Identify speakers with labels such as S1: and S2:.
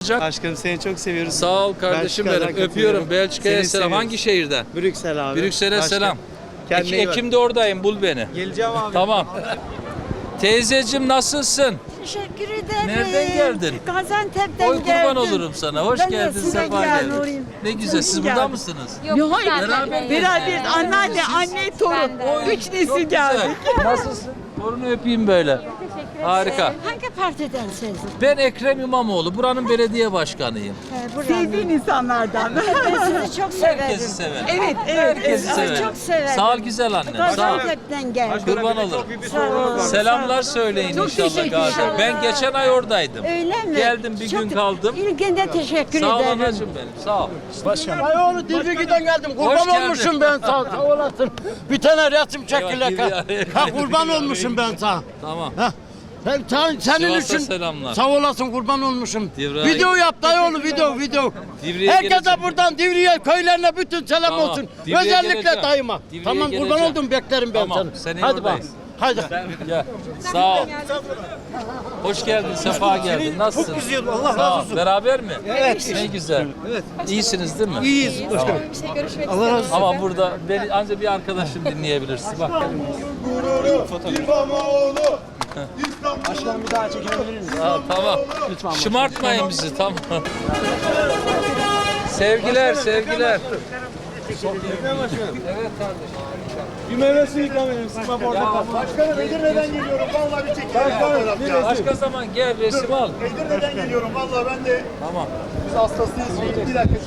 S1: olacak.
S2: Aşkım seni çok seviyoruz.
S1: Sağ ol kardeşim
S2: Belçika'dan
S1: benim. Öpüyorum.
S2: katılıyorum.
S1: Belçika'ya
S2: Seni
S1: selam.
S2: seviyoruz.
S1: Hangi şehirden?
S2: Brüksel abi.
S1: Brüksel'e
S2: Aşkım,
S1: selam.
S2: kendine iyi bak.
S1: Ekim'de oradayım. Bul beni.
S2: Geleceğim abi.
S1: Tamam. Teyzeciğim nasılsın?
S3: Teşekkür ederim.
S1: Nereden geldin?
S3: Gaziantep'ten
S1: Oy
S3: geldim.
S1: kurban olurum sana. Hoş
S3: Ben de
S1: geldin,
S3: size
S1: sefa
S3: geldim,
S1: geldin.
S3: orayım.
S1: Ne güzel. Siz burada
S3: geldim.
S1: mısınız?
S3: Yok, hayır.
S1: Beraber
S3: Beraber anneanne, anne, torun.
S1: Oy,
S3: Üç nesil
S1: çok güzel.
S3: geldik.
S1: Nasılsın? Torunu öpeyim böyle. Harika.
S3: Hangi partidensiniz?
S1: Ben Ekrem İmamoğlu. Buranın belediye başkanıyım.
S3: Sevdiğin insanlardan. Ben sizi çok severim.
S1: Herkesi severim.
S3: Evet,
S1: Herkesi
S3: Sizi
S1: severim.
S3: çok severim.
S1: Sağ ol güzel annem. Sağ ol.
S3: Gaziantep'ten geldim.
S1: Kurban olurum.
S3: Sağ ol.
S1: Selamlar söyleyin
S3: Çok
S1: inşallah
S3: teşekkür
S1: Gazi.
S3: ederim.
S1: Ben geçen ay oradaydım.
S3: Öyle mi?
S1: Geldim bir gün kaldım.
S3: İlginde teşekkür
S1: Sağ ol
S3: ederim.
S1: anacığım benim. Sağ ol.
S4: Ay oğlu Dilbiki'den geldim. Kurban
S1: geldin.
S4: olmuşum ben sana. Sağ olasın. Bir tane resim çekilek.
S1: Eyvah,
S4: Ha kurban olmuşum ben sana.
S1: Tamam.
S4: Ha. Senin
S1: Sivas'a
S4: için
S1: selamlar.
S4: sağ olasın kurban olmuşum.
S1: Divriğe-
S4: Video yap dayıoğlu video.
S1: Divriğe
S4: Herkese
S1: geleceğim.
S4: buradan Divriğe köylerine bütün selam
S1: Tamam.
S4: olsun.
S1: Divriğe
S4: Özellikle
S1: geleceğim.
S4: dayıma.
S1: Divriğe
S4: Tamam kurban
S1: geleceğim.
S4: oldum beklerim ben
S1: Tamam,
S4: seni.
S1: seneye
S4: Hadi bak.
S1: oradayız.
S4: Hadi.
S1: Gel. Sağ ol. Hoş geldin, sefa geldin. Nasılsın?
S4: Çok güzel, Allah
S1: Sağ ol.
S4: razı olsun.
S1: Beraber mi?
S4: Evet.
S1: Ne güzel. Evet. İyisiniz değil mi?
S4: İyiyiz.
S1: Tamam.
S4: Allah razı olsun.
S1: Ama burada beni ancak bir arkadaşım dinleyebilirsin. Bak.
S4: Başkanım bir daha çekebilir miyiz?
S1: Ha, tamam.
S4: Lütfen.
S1: Şımartmayın bizi, tamam. Sevgiler. Evet kardeşim.
S5: Bir meyve suyu ikram edelim. Sıkma portakal. Başkanım Edirne'den geliyorum. Vallahi bir çekim. Başkanım
S1: Başka zaman gel resim al.
S5: Edirne'den geliyorum. Vallahi ben de
S1: Tamam.
S5: biz hastasıyız. Bir dakika.